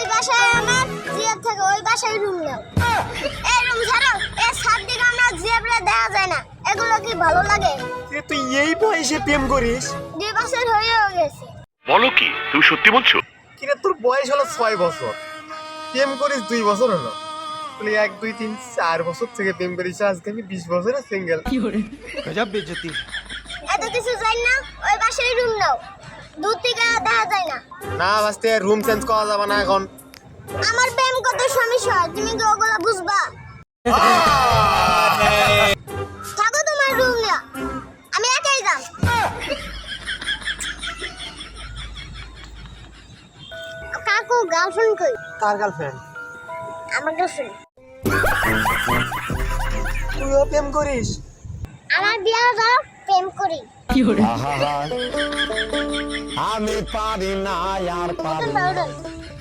বাসায় আমার জিয়াব থাকে, ওই বাসায় রুম নাও। এই রুম ছাড়ো, এই সাত দিকে আমার জিয়াবরে দেখা যায় না। এগুলো কি ভালো লাগে? তুই এই বয়সে প্রেম করিস? 2 বছর হয়েও গেছে। বলো কি, তুমি সত্যি বলছো? কিরে তোর বয়স হলো 6 বছর, প্রেম করিস 2 বছর হলো? তুই 1 2 3 4 বছর থেকে প্রেম করিস, আজকে আমি 20 বছরের সিঙ্গেল। গজব বেজতি। এত কিছু জানি না, ওই বাসায় রুম নাও। দূর থেকে দেখা যায় না। না বাস্তে, রুম চেঞ্জ করা যাবে না এখন। আমার প্রেম কত সমস্যা, তুমি কি ওগুলো বুঝবা? থাকো তোমার রুম না, আমি একাই যাম। কাকু গার্লফ্রেন্ড কই? কার গার্লফ্রেন্ড? আমার গার্লফ্রেন্ড। তুইও প্রেম করিস? আমার বিয়ে দাও, প্রেম করি। আমি পারি না আর পারি উঠুন, উঠুন।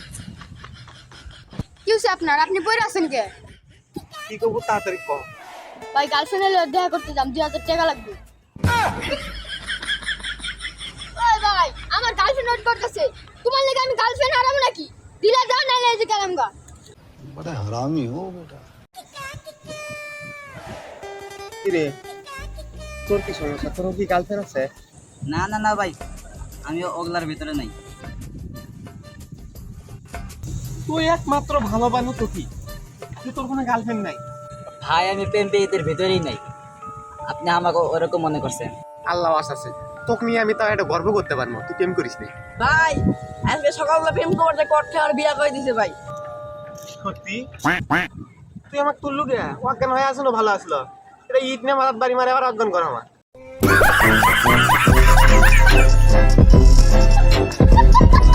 কি হচ্ছে আপনার? আপনি পড়ে আছেন কে? কি করবো তাড়াতাড়ি কর। ভাই গার্লফ্রেন্ডের লোক দেখা করতে যাম, 2000 টাকা লাগবে। ওই ভাই, আমার গার্লফ্রেন্ড ওয়েট করতেছে। তোমার লেগে আমি গার্লফ্রেন্ড হারাবো নাকি? দিলা দাও, না এই যে গেলাম গা। बड़ा हरामी हो बेटा। কিরে তোর কি সমস্যা? তোর কি গার্লফ্রেন্ড আছে? না না না ভাই, আমি ওগুলার ভিতরে নাই। তুই একমাত্র ভালো বানু তো কি, তুই তোর কোনো গার্লফ্রেন্ড নাই? ভাই আমি প্রেম পেয়েদের ভিতরেই নাই, আপনি আমাকে ওরকম মনে করছেন। আল্লাহ আছে, তোকে নিয়ে আমি তাও একটা গর্ব করতে পারবো, তুই প্রেম করিস নি। ভাই আজকে সকালবেলা প্রেম করতে করতে আর বিয়া করে দিছে ভাই। সত্যি? তুই আমাকে তুললু গে? অজ্ঞান হয়ে আসলো, ভালো আসলো। এটা ইট নিয়ে মারাত বাড়ি মারে আবার অজ্ঞান করা আমার।